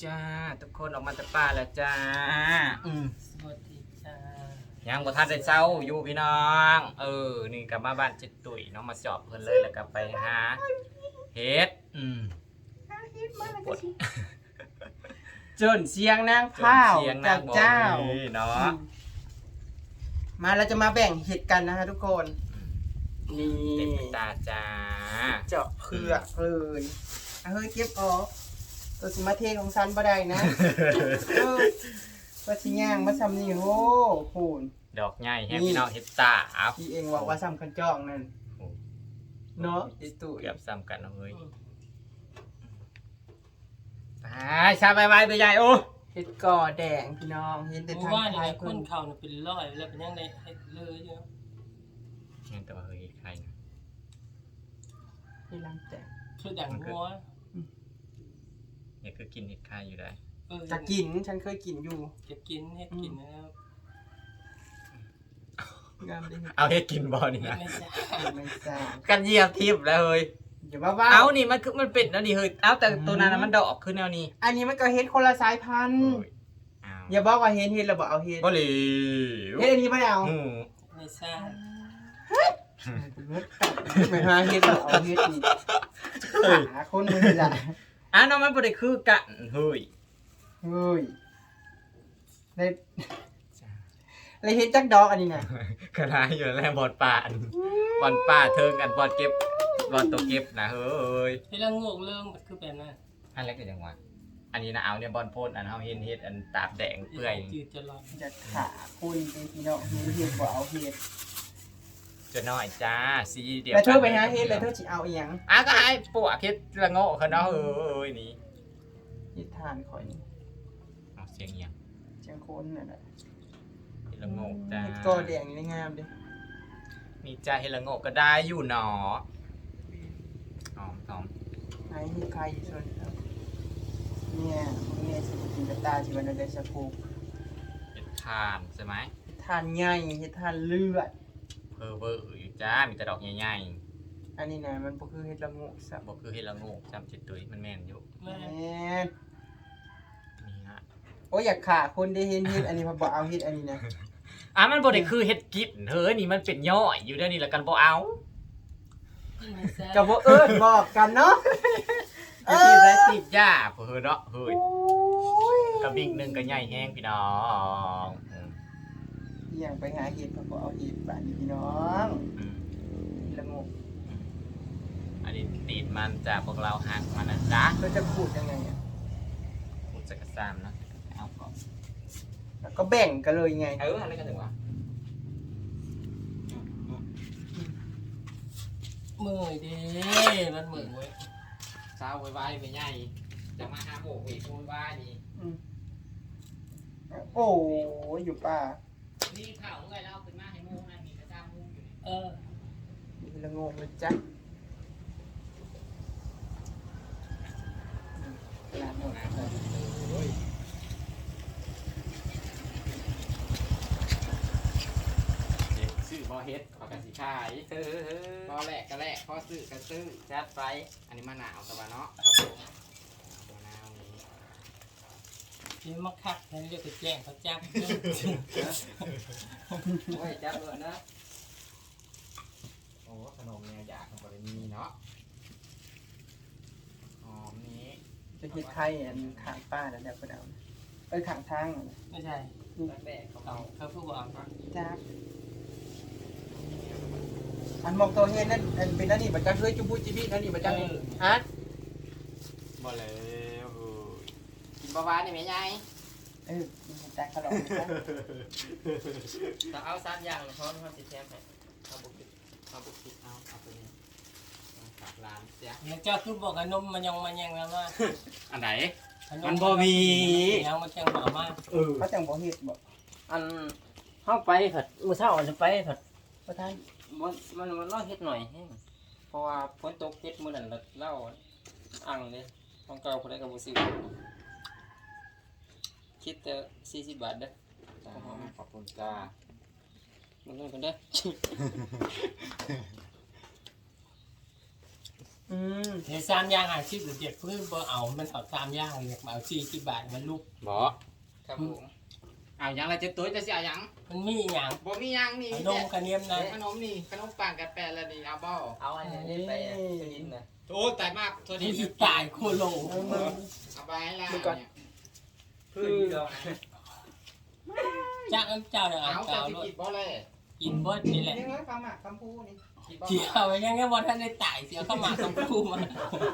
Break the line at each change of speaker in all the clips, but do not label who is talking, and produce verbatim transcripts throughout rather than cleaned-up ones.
จ้าทุกคนออกมาจากป่าแล้วจ้าอืม
สวัสดีจ้า
ยังบ่ทันได้เช้าอยู่พี่น้องเออนี่กลับมาบ้านจิตตุ๋ยน้องมาสอบเพิ่นเลยแล้วก็ไปหาเฮ็ดอืมปวด
จนเสียงนางข้าว
เสียงนางบอก
เจ้า
นี่เนาะ
มาเราจะมาแบ่งเห็ดกันนะฮะทุกคน นี่
เต็มตาจ้า
เจาะเผือกเลยเอาเฮ้ยเก็บออกตัวสิมาเทของซันบ่ได้นะเออว่าสิย่างมาซ้ำนี่โอ้โห
ดอกใหญ่แฮมพี่น้องเฮ็ดตาอัพ
พี่เองว่าว่าซ้ำกันจองนั่นเนาะไอ้ตู่
เกือบซ้ำกันเอาเฮ้ยไปชาไปไว้ไปใหญ่โอ้
เห็ดก่อแดงพี่น้องเห็นแต่
เมื่
ทา
อง วาน
ไท
นี่
ย
ค
เพิ่
น
น
เข่าเนี่ยเป็นร้อยแล้วเป็นยังไงให้เลยเยอะ
ยังแต่ว่าเฮ้ยใครนะ
ที่ลังแตก
คือดังหัว
เนี่ยคือกินเห็ดไข่อยู่ได้
เออ
จะกินฉันเคยกินอยู่
จะกินให้กินนะครับ
งามดี
เอาเฮ็ดกินบ่นี่นะ
ไม่ใช่
ไม่ทราบ
กันเหยียบทิพย์แล้วเฮ้ย
อย่าว่าว่า
เอานี่มันคือมันเป็นแล้วนี่เฮ้ยเอาแต่ตัวนั้นน่ะมันดอกขึ้นแนวนี้
อันนี้มันก็เฮ็ดคนละสายพันธุ์
โอ้ยเอา
อย่าบอกว่าเฮ็ดเฮ็ดแล้วบอกเอาเฮ็ด
บ่เหลว
เฮ็ดอันนี้ไม่ได้เอา
อืม
ไม่ใช่
ไม่หาเฮ็ดแล้วเอาเฮ็ดนี่หาคนมือละ
อ่ะน้องมันบ่ได้คือกันเฮ้ย
เฮ้ยเลยเลยเฮ็ดจักดอกอันนี้น่ะ
กระไรอยู่แล้วบอดป่าอันบอดป่าเทิงกันบอดเก็บบอดตัวเก็บนะเฮ้ย
ที่เรางงเรื่องมันคือแบบนั้น
อันเล็กก็ยังว่าอันนี้นะเอาเนี่ยบอลโพนอันเฮาเห็นเฮ็ดอันตาบแดงเปื่อย
จืดจะร้อน
จะขาคนเป็นพี่น้องเฮ็ดเฮ็ดบ่เอาเฮ็ด
จะน้อยจ้าสีเดียว
แล้วเธอไปหาเฮ็ดแล้วเธอสิเอาอีหยัง
อ่ะก็ให้ปวกเฮ็ดละโง่เขาเนาะเฮ้ยนี่
เฮ็ดทานข่อยนี่
เอาเสียงเอียง
เชียงคนนั่นน่ะ
เฮ็ดละโง่จ้า
เฮ็ดกอแดงนี่งามเด้
มีจ้าเฮ็ดละโง่ก็ได้อยู่หนอหอมหอม
ไหนเฮ็ดใครอยู่ส่วนครับเนี่ยพวกนี้สิกินกระตาสิวันนั้นได้สักกู
เฮ็ดทานใช่ไหม
เฮ็ดทานใหญ่เฮ็ดทานเลือด
เพอเวอร์อยู่จ้ามีแต่ดอกใหญ่
อันนี้นะมันบ่คือเฮ็ดละโงกซับ
ๆบ่คือเฮ็ดละโง่จำจิตตุยมันแม่นอยู่
แม่
แม่น
นี่ฮะ
โอ้ยอยากขาคนได้เห็นเฮ็ดอันนี้พอบ่เอาเฮ็ดอันนี้นะ
อ่ะมันบ่ได้คือเฮ็ดกินเฮ้ยนี่มันเป็นย่อยอยู่เด้อนี่แล้วกันบ่เอา
ไม่ใช่
ก็บ่เอิ้นบอกกันเนาะ
ไอ้ที่ได้ติดยาเพิ่นเนาะเฮ้ย
โอ้ย
กระบิ๊กหนึงก็ใหญ่แฮงพี่น้องอืม
อหย่างไปหาเฮ็ดพอบ่เอาเฮ็ดบ้านนี้พี่น้อง
อืม
ละโงก
อันนี้ติดมันจากพวกเราหักมันนะจ๊ะ
เราจะขูดยังไงอ่ะ
กูจะกระซามนะเอาก่อน
แล้วก็แบ่งกันเลยไง
เอออะไรกันถึงวะ
เมื่อยเด้มันเหมือนเว้ย
เช้าไว้ๆไปใหญ่จะมาหาโบกอีกคนบ้านี่
อืมโอ้ยอยู่ป่า
นี่ข่าวไงเราขึ้นมาให้มูนั่นมีกระซามมูอยู่นี่
เออ
มีละโงกเลยจ้ะอืมร้านโน้น
นะโอ้ยเด็กซื้อบอเฮ็ดปากกาสีขายเออพอแหลกก็แหลกพอซื้อก็ซื้อจัดไปอันนี้มะนาวตะวันเนาะครับผมมะนาวนี้
นี่มาคักนั่นเรียกไปแจ้งเขาจับ
โอ้ยจับเลยนะโอ้ขนมเนี่ยอยากของบริมีเนาะหอมนี้
จะเฮ็ดไข่อันข้างป้าแล้วเดี๋ยวเพิ่นเอาเอ้ยข้างทางนั่นน่ะ
ไม่ใช่
แบกเขา
เอาเขาพูดว่าเอา
จ้าอันมองตัวเฮ็ดนั่นอันเป็นอันนี้บ่จักเฮ้ยจุบุจิบิอันนี้บ่จักฮะ
บ่แล้วเออกินบะหวานนี่ไหมยาย
เออกินจักขนมจ้ะ
แต่เอาสามอย่างเพราะมันติดแทมไปเอาบุกิเอาบุกิเอาเอาไปนี่ฝากร้านเสีย
แล้วเจ้าคือบอกกับนมมันยังมันยังแล้วว่า
อันไหน
อั
มันบ่มี
ยังมันจังบ่มา
เออ
เขาจังบ่เฮ็ดบ่
อันเข้าไปผัดมื้อเช้าอันจะไปผัด
บ่ทัน
มันมันมันรอเฮ็ดหน่อยแฮงเพราะว่าฝนตกเฮ็ดมื้อนั้นแล้วเล่าอังเด้ของเก่าผู้ใดก็บ่ซื้อคิดแต่สี่สิบบาทเด้อ
ขอบคุณจ้า
มันเงินเพิ่นเด้อ
มอืม
เดี๋ยวสามย่างอาชีพเด็ดเพื่อบ่เอามันเอาสามย่างเลยมาเอาสี่สิบบาทมันลูก
บ่
ครับผม
เอาหยังละเจ็ดตัวจะสิเอาหยัง
มันมีอย่าง
บ่มีหยังนี่
ขนมกระเนียมนะ
ขนมนี่ขนมปังกับแปะแล้วนี่เอาบ่
เอาอันนี้ไปอ่ะตัวนี้นะ
โอ้ตายมากตัว
นี่
นี้
สิตายโคโล
เอาไปให้ล่ะ
คือ
จ้างเจ้าเนี่ย
เอา
เอา
จะ
เจ้า
สิ
เลย
กินบ่เลย
กินเบิดนี่แหละ
นี่เฮ้ยปลาหมักคำพูนี่
กินบ่
เจียวไว้ยังไงวันท่านได้ตายเสียเข้ามาคำพูมา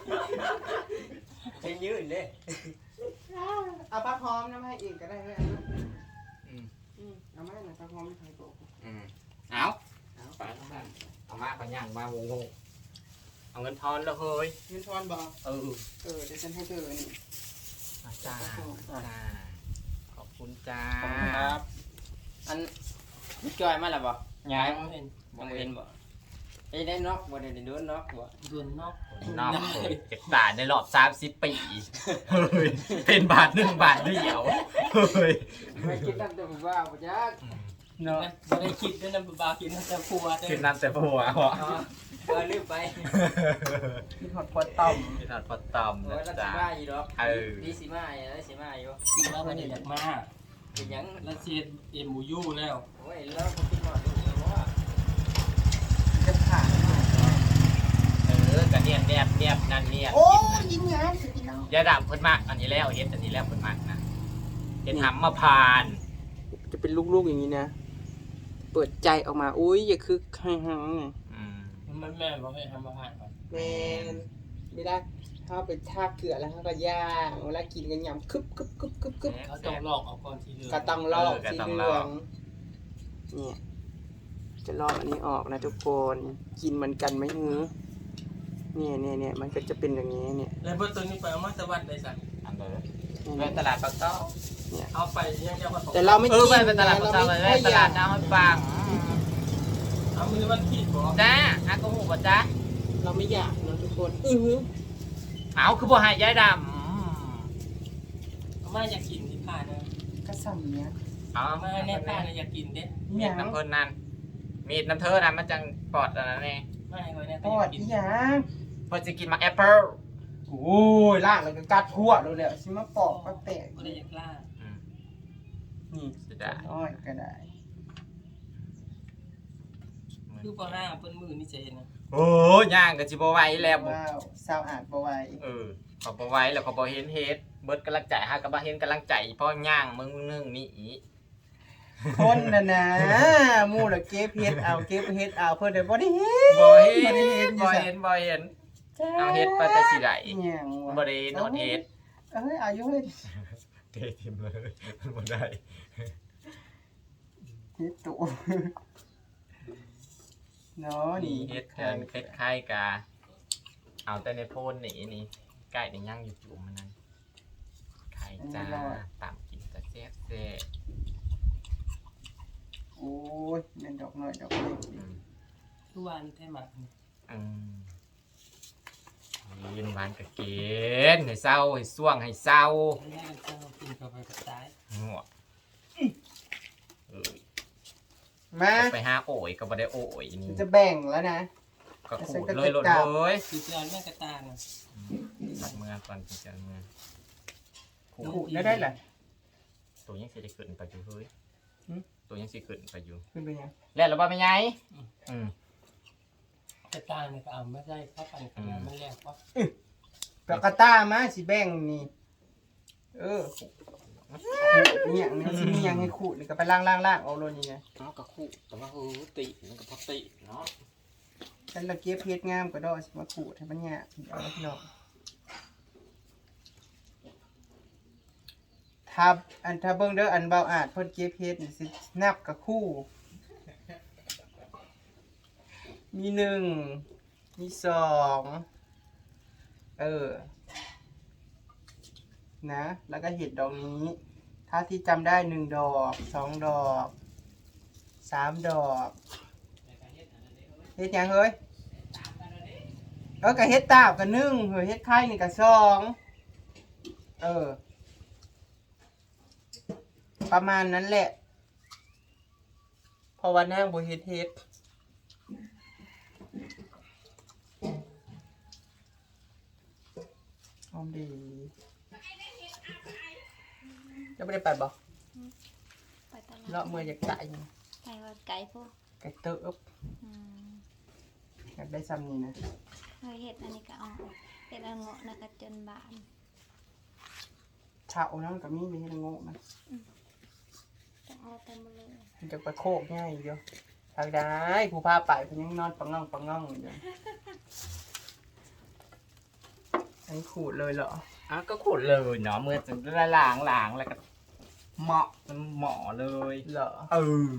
เป็นยืดเลย
เอาปลาพร้อมน้ำให้อีกก็ได้เลย
อืม
อืมเอามาหน่อยปลาพร้อมไม่ใครบอก
อืมเอาเอาไปนั่นเอามาปัญญังมางงๆเอาเงินทอนแล้วเฮ้ย
เงินทอนบอก
เออ
เออเดี๋ยวฉันให้เธอนี่
จ้าจ้าขอบคุณจ้า
ขอบคุณครับ อันจอยมาแล้วบ่
ย้าย
เห็น
บ่เห็นบ่ไอ้ได้นอกบ่ได้โดนนอกบ่
โดนนอก
นอกเจ็บตาในรอบสามสิบปีเฮ้ยเป็นบาทหนึ่งบาทเดียวเฮ้ย
ไม่คิดนำแต่บ่ว่าบ่จัก
เนาะ
บ่ได้คิดด้วยนะบ่าวคิดนะแต่ผัวเด้
กินน้ำแต่ผัวเหรอ
อ๋อเออลืมไป
มีหอดพอต่อม
กินน้ำพอตอม
โอ้
นะ
ยเราสิ
จ๊ะ
มาอยู่ดอก
เออ
ดีสิมาอยู่แล้วสิมาอยู่
คิดว่าบ่ได้อยากมา
เป็นหยัง
แล้วเสียเอ็มบูยูแล้ว
โอ้ยแล้วบ่คิดฮอดลูกแล้วว่า
จะขาด
เออกระเนียนแนบแนบนั่นเนี่ย
โอ้ยิ้มงามสุดที่น้อง
ยาดำเพิ่นมากอันนี้แล้วเฮ็ดอันนี้แล้วเพิ่นมากนะเฮ็ดหำมาพาน
จะเป็นลูกๆอย่างนี้นะ เปิดใจออกมา อุ้ยอย่าคือให้หังไง
อืม
มันแม่บอกให้ทำอาหารก่อน
แมนไม่ได้ถ้าเป็นทาเกลือแล้วเขาก็ย่างเวลากินกันยำคึบคึบคึบคึบคึบ
เขาต้องลอกเอาก่อนทีเดียว
กระตังลอกสีเหลืองเนี่ยจะลอกอันนี้ออกนะทุกคนกินเหมือนกันไหมฮือเนี่ยเนี่ยเนี่ยมันก็จะเป็นอย่างนี้เนี่ย
แล้วเบอร์ตัวนี้ไปเอามาตะวันได้สั่ง
อันเด้อ
เนี่ย
ไปตลาดปากซอย
เอาไปยังจะผสม
แต่เราไม่
เอ
กิ
อน ไปไปตลาดปากซอยไปตลาดน้ำมันปัง
เอามือวันขีดบ่
จ้าอากงหูบ่จ้า
เราไม่อยากนะทุกคนอือหือ
เอาคือบ่ให้ยายด
เอามาอยากกินที่ผ่านนะ
กระสัมเนี้ย
ำเอา
เอามาแน่ผ่านอยากกินเด้
มีดน้ำเพิ่นนั่นมีดน้ำเธอนั่นมันจังปลอดอันนั้นเอง
ไม่ไว้แน่
ปอด
กิ
อี
น
หยัง
เพิ่นสิกินมาแอปเปิ้ล
โอ้ยล่างแล้วก็กัดทั่วเลยแหละสิมาปอกก็แตก
ก็ได้อยากล่า
อืม
นี่
สิได้
อ้อยก็ได้
คือบ่ห้าเปิ้นมือนี่จะเห็นนะ
โอ้ย่างก็สิบ่ไหวแล้วบ่
ว้าวสาวอาดบ่ไหว
เออขอบ่ไหวแล้วก็บ่เห็นเฮ็ดเบิดกำลังใจหาก็บ่เห็นกำลังใจเพราะย่างมึงนึงนี่อี
คนน่ะนะหมู่ละเก็บเฮ็ดเอาเก็บเฮ็ดเอาเพิ่นได้บ่ได้เฮ็ด
บ่เห็
บ่ได้
น
เฮ็ด
บ่เห็นบ่เห็นเอาเฮ็ดไปแต่สิได้
อีหยังวะ
บ่ได้โนดเฮ็ด
เอ้ยอายุเฮ็ด
เททิมเลยบ่ได้
เฮ็ดตุเนาะนี่
เฮ็ดกันคล้ายๆกะเอาแต่ในโพนนี่นี่ใกล้นี่ย่างอยู่จุ่มมันนั่นไข่จ้าตามกินแต่แซ่บแซ่บ
โอ้ยแม่นดอกน้อยดอกเล็ก
อืม
คือวันแท้หมัก
อืมยินหวานกะเกณฑ์ให้เศร้าให้ส่วงให้เศร้า
แม่เจ้ากินเข้าไปก็ตาย
หัวเออ
มา
ไปหาโอยก็บ่ได้โอยนี่
จะแบ่งแล้วนะ
ก็ขูดเลยหลดเลย
คือจอนแม่กระตาน่ะ
ตัดเมื่อก่อนจังเมื่อ
ขูดได้ได้ล่ะ
ตัวยังสิได้ขึ้นไปอยู่เฮ้ย
หึ
ตัวยังสิขึ้นไปอยู่
ขึ้นไปยัง
แล้วเราบ่เป็นไงอืม
กระตาเนี่ยก็เอาไม่ได้เข้ากันกันมันแรกว่า
ปากกาต้ามาสิแบ่งนี่ เออเนี่ยเนี่ยสิมีหยังให้ขูดนี่ก็ไปล้างๆๆเอาโลนี่นะ
เนาะก็ขูดแต่ว่าเออติมันก็พอติเนาะ
ฉันละเก็บเพชรงามก็ดอกสิมาขูดให้มันยากเอาพี่น้องถ้าอันถ้าเบิ่งเด้ออันเบาอาจเพิ่นเก็บเพชรนี่สินับกับคู่ มีหนึ่งมีสองเออนะแล้วก็เห็ดดอกนี้ ถ้าที่จำได้หนึ่งดอกสองดอกสามดอกเฮ็ดหยังเฮ้ยเออก็เฮ็ดตาบกับหนึ่งเฮ้ยเฮ็ดไข่นี่กับสองเออ ประมาณนั้นแหละเพราะว่านั่งบ่เฮ็ดเฮ็ดดีจะไม่ได้ไปบ่
ไปตลาด
เลาะเมื่ออยากไก่
ไปวัดไก่พวก
ไก่เติบ
อืม
อยากได้ซ้ำนี่นะ
เคยเห็ดอันนี้ก็เอาเห็ดอันเงาะนะก็จนบาน
เช้านั่นกับมีมีให้โง่นะ
จะเอาเต็มเลย
มันจะไปโคกง่ายเดียวทางได้ผู้พาไปเพิ่นยังนอนปังง่องปังง่องอยู่เลยอันนี้ขูดเลยเหรอ
อ่ะก็ขุดเลยเนาะเมื่อจะได้ล้างล้างแล้วก็เหมาะเหมาะเลย
เหรอ
เออ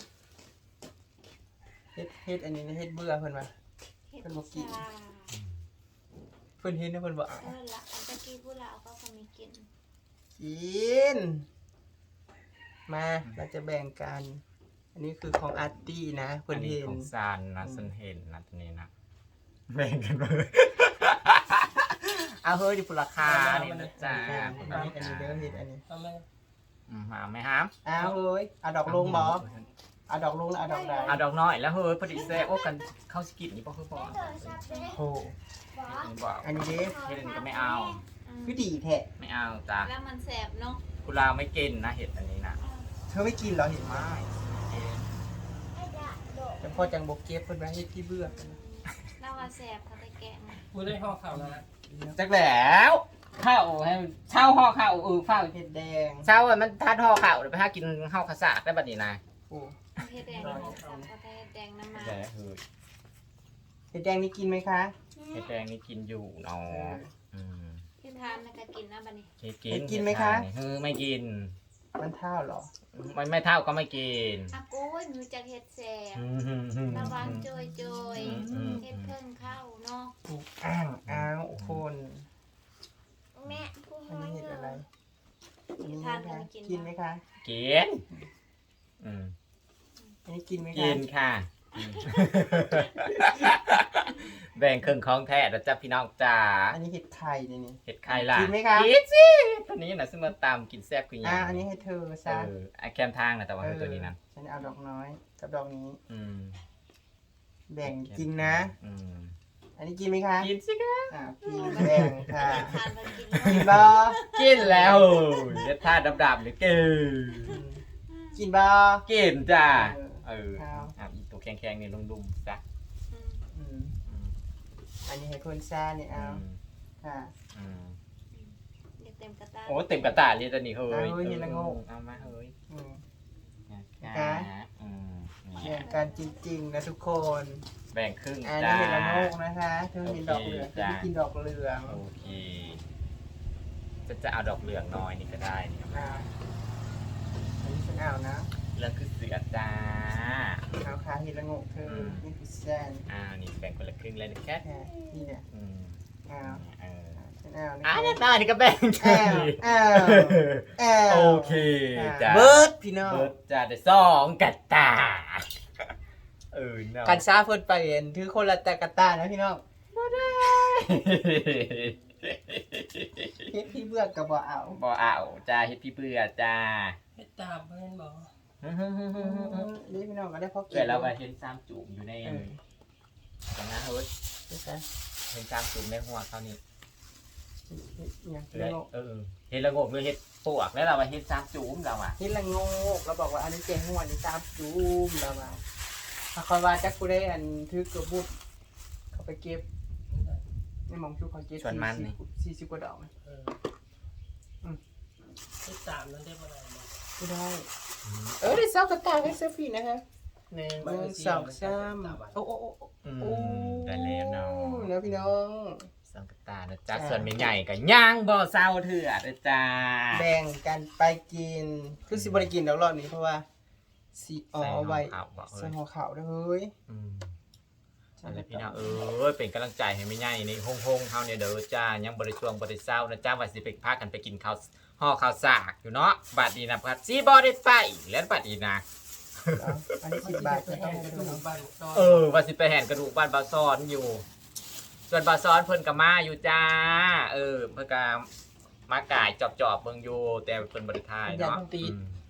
เฮ็ดเฮ็ดอันนี้นะเฮ็ดเบื่อเพิ่นว่า
เห็ด
เป็นบ่กิน
ชา
เพิ่นเฮ็ดนะเพิ่นบ่เอา
เออละอันตะกี้ผู้ลาวเขาก็มีกิน
กินมาเราจะแบ่งกัน อันนี้คือของอาร์ตี้นะเพิ่
อั
น
นนี้
เห็น
ของซานนะฉันเห็นนะตัวนี้นะแบ่งกันเลย
เอาเฮ้ยดิพุราคา
อัน
นี่
นี้
นะ
นะจ๊ะ
อันนี้อันนี้เด้อเฮ็ดอันนี้
เอาไหม
อืมมาไหมฮะ
เอาเฮ้ยเอาดอกลงบ่เอาดอกลงแล้วเอาดอกใด
เอาดอกน้อยแล้วเฮ้ยพอดีแซ่โอ้กันเข้าสกิดนี่ป่ะคือป่ะ
โอ้
นี่บอก
อันนี้เด้
เห็ดอันนี้ก็ไม่เอา
อืม
คือดีแท้
ไม่เอาจ้ะ
แล้วมันแสบเนาะ
คุณลาวไม่กินนะเห็ดอันนี้นะ
เธอไม่กินเหรอเห็นไหม
ไม่
แต่พ่อจังบ่เก็บเพิ่นไว้ให้ที่เบื่อ
แล้วว่าแสบเขาไปแกะมา
กูได้ห่อข้าวแล้วนะ
จักแล้วข้าวให้เช่าห่อข้าวเออข้าว
เห็ดแดง
เช่าอ่ะมันทานห่อข้าวเดี๋ยวไปหากินข้าวข้าวสากได้บัดนี้นะ
โอ้
เห็ดแดงนี่สับเขาไปเห็ดแดงน้ำมัน
แต่เฮ้ย
เห็ดแดงนี่กินไหมคะ
เห็ดแดงนี่กินอยู่เนาะอืม
ที่ทานนะก็กินนะบัดนี้
เห็ดกิน
เห็ดกินไหมคะ
เฮ้ยไม่กิน
มันเท่าเหรอ
มันไม่เท่าก็ไม่กิน
อากูยมือจากเห็ดแสบ
อืม
ระวังโจยโจย
อืม
เห็ดเครื่องเข้าเนาะ
ถูกอ้างอ้างคน
แม่ผู้
อัน
ห้อย
นี้เห็ดอะไรอันนี้
ทาน
ไหม
กัน
คะ
กิน
กินไหมคะ
กินอืม
อันนี้กินไหม
กิ
คะ
นค่ะอืมแบ่งครึ่งของแท้นะจ๊ะพี่น้องจ๋า
อันนี้เห็ดไข่นี่นี่
เห็ดไข่ล่ะ
กินไหมคะ
กินสิตัวนี้นะซึ่งมาตามกินแซ่บคือหยั
อ่าง อันนี้ให้เธอ
เอ
ซะ
อไอแคมทางนะแต่ว่าคือตัวนี้นะ
ฉันเอาดอกน้อยกับดอกนี้
อืม
แบ่งกินนะ
อืม
อันนี้กินไหมคะ
กินสิคะ
อ่ากินแบ่งค่ะ
ทานกันกิน
กิน
เนาะ
บ่
กินแล้วเด็ดท่าดำๆเลยกิน
กินบ่
กินจ้า
เออ
เออ
ครับ
อ่ะอีตัวแข็งๆนี่ดุมๆจ้ะ
อืม
อืม
อืม
อันนี้ให้คนซ่านี่
อื
เอา
ม
ค่ะ
อืม
เดี๋ยวเต็มกระตา
โอ้เต็มกระตาเลยตอนนี้เฮ้ย
เอาเฮ้ยเห็นแล้วโง่
เอามาเฮ้ย
อืม
อ่าอืม
แบ่งกันจริงๆนะทุกคน
แบ่งครึ่ง
อัน
จ้า
นี้เห็นละโงกนะคะเธอเห็นดอกเหลือง
โอ
เธ
เค
อ
จ้ะ
ไม่กินดอกเหลือง
โอเคจะจะเอาดอกเหลืองน้อยนี่ก็ได้นี่ครับ
อ่าอันนี้ฉันเอานะ
เหลืองคือเสือจ้า
เอาขาเห็นละโงกเธอ
ม
นี่คือแซน
อ้าวนี่แบ่งคนละครึ่งเลยนะแค่
ค่ะนี่เนี่ย
อืม
เอา
เออ
ฉันเอานะ
อ่ะนี่ได้นี่ก็แบ่ง
แอลแอลแอล
โอเคจ้า
เบิร์ดพี่น้อง
เบิร์ดจ้าได้สองกระตาเออเนาะ
กันซ่าเพิ่นไปเห็นถือคนละแต่กระตานะพี่น้องเฮ็ดพี่เบื่อกับบ่เอา
บ่เอาจ้าเฮ็ดพี่เบื่อจ้า
เฮ็ดตามเพื่อนบอก
นี่พี่น้องก็ได้พอกิน
เกิดเราไปเห็นซ้ำจุ่มอยู่ใน
เออ
ตรงนั้นเฮ้ย
เฮ็ดซะ
เห็นซ้ำจุ่มในหัวเขานี่
เฮ็ดอิหยัง
เลยเออเห็ดละโงกหรือเห็ดปวกแล้วเราไปเห็ดซ้ำจุ่มเราอ่ะ
เฮ็ดละโงกเราบอกว่าอันนี้เก่งหัวนี่ตามจูมแล้วมาถ้าคอยว่าจักกูได้อันถือกระบุดเขาไปเก็บในหมองชูเขาเก็บสี่สิบกว่าดอกนะ
เออเฮ็ดตามนั้นได้บ่ได้บ่
กูได้เออได้ซอกกระต่ายให้เซฟฟี่นะฮะ
หนึ่ง
หนึ่งสองสามโอ้โอ้โอ้
อืม
โอ้
ได้แล้วเนาะ
นะพี่น้อง
สังกตานะจ๊ะ
จ้า
ส่วนไม่ใหญ่ก็ย่างบ่อเศร้าเถื่อนะจ้า
แบ่งกันไปกินคือสิบริกินเดี๋ยวรอบนี้เพราะว่าสีอ๋อไว้
ใส่ห่อขาวบอก
ใส่
เอ้ย
หัวขาวด้วยเฮ้ย
อืมอะไรพี่น้องเออเป็นกำลังใจให้ไม่ใหญ่ในห้องหงๆเฮาเนี่ยเด้อจ้ายังบริช่วงบริเศร้านะจ้าว่าสิไปพากันไปกินข้าวห่อข้าวสากอยู่เนาะบัดนี้นะพัดสิบ่ได้ไปแล้วบัดนี้นะ
เอาอันนี้สิบบาท
ไป
จะ
แห่
ต้อง
ก
ให้
ระ
ดู
ดูก
นะ
บ้านซอย
เออว่าสิไปแห่นกระดูกบ้านบาซ้อนอยู่ ส่วนบาซ้อนเพิ่นก็มาอยู่จ้า เออเพิ่นก็มากายจอบๆเบิ่งอยู่แต่เพิ่นบ่ได้ทายเนาะอืม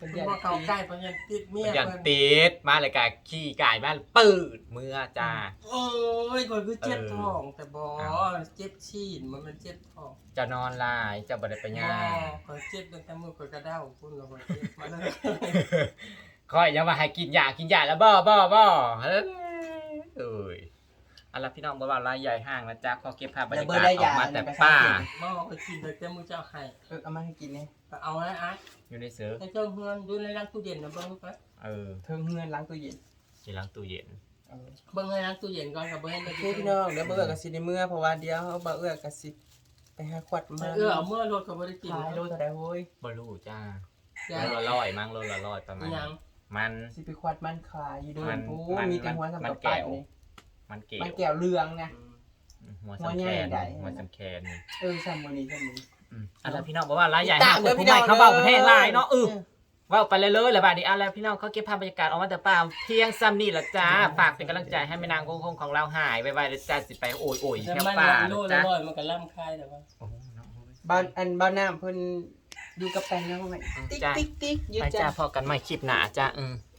เป็น
เพิ่น
ยัน
บ่เข้าใกล้เพิ่นยันติดเมีย
ยัน
เพิ่น
ติดมาเลยกะขี้กายมาปืดเมื่อจ้า
โอ้ยคนคือเจ็บ
เออ
ท้องแต่บ่
อ้าว
เจ็บชีนมันมันเจ็บท้อง
จะนอนลายจะบ่ได้ไป
บ่
ย่าง
ข่อยเจ็บตั้งแต่มื้อข่อยกระเด้าพุ่นแล้วข่อยเจ็บมาเลย
คอยยังว่าให้กินยากินยาแล้วบ่บ่บ่เฮ้ยเอ้ยเอาล่ะพี่น้องบ่ว่าลายใหญ่ห้างนะจ๊ะขอเก็บภาพบรรยากาศออกมาแต่ป่า
หม้อข่อยกินตั้งแต่มื้อเจ้าให้
เออเอามาให้กินเนี่ย
ก็เอาไว้อ่ะ
อยู่ในเสือ
ในเจ้าเฮือนอยู่ในร้านตู้เย็นน่ะเบิ่งไป
เออ
เทิงเฮือนล้างตู้เย็น
ที่ล้างตู้เย็น
เออ
เบิ่งในร้านตู้เย็นก่อนก็บ่เห็น
โอ
ได้
เคพี่น้องเดี๋ยวเบื่อกับสิในเมื่อเพราะว่าเดี๋ยวเขาบ่เอื้อกับสิไปหาขวดมา
เออเอาเมื่อรถก็บ่ได้กิน
ขายโลเท่าใดโว้ย
บ่รู้จ้า
จ้ะ
โลละร้อยมั้งโลละร้อยประมา
อี
ณ
หยัง
มัน
สิไปขวดมันขายอยู่เดิ
มัน น
โอ้
มัน
มีแต่หัวทำ
มั
กับ
นแก้
ปัด
ว
นี่
มันเก๋
มันแก้วเรืองนะ
หัว
หัว
สำ
ใหญ่
แคน
ใหญ่
หัวสำแคนนี่
เออซ้ำวันนี้ซ้ำวันนี้
อืมเอันแล้วพี่น้องบอกว่าลายใหญ่
ตา
ห้าม ง
เด้อ
ผู้
พี่
ให
น้
ญ่
อง
เขาเบาประเทศ
เด้อ
ลายเนาะเออเว่าไปเลยเลยแล้วบาดนี้เอันแล้วพี่น้องเขาเก็บภาพบรรยากาศออกมาแต่ป่าเพียงซ้ำนี่แหละจ้าฝากเป็นกำลังใจให้แม่นางคงคงของเราหายไวๆเลยจ้าสิไปโอยโอย
แต่
แถว
มัน
ป่า
โล
เลย
ละ
จ้า
ร้อยมันก็ล่ำคายแต่ว่า
โอ้โหเนาะ
บ้านอันบ้านน้ำเพิ่นอยู่กับแปลงแล้วไหมติ๊ก
จ้า
ติ๊กติ๊กอยู่
ไปจ้า
จ้า
พอกันใหม่คลิปหน้าจ้าอืม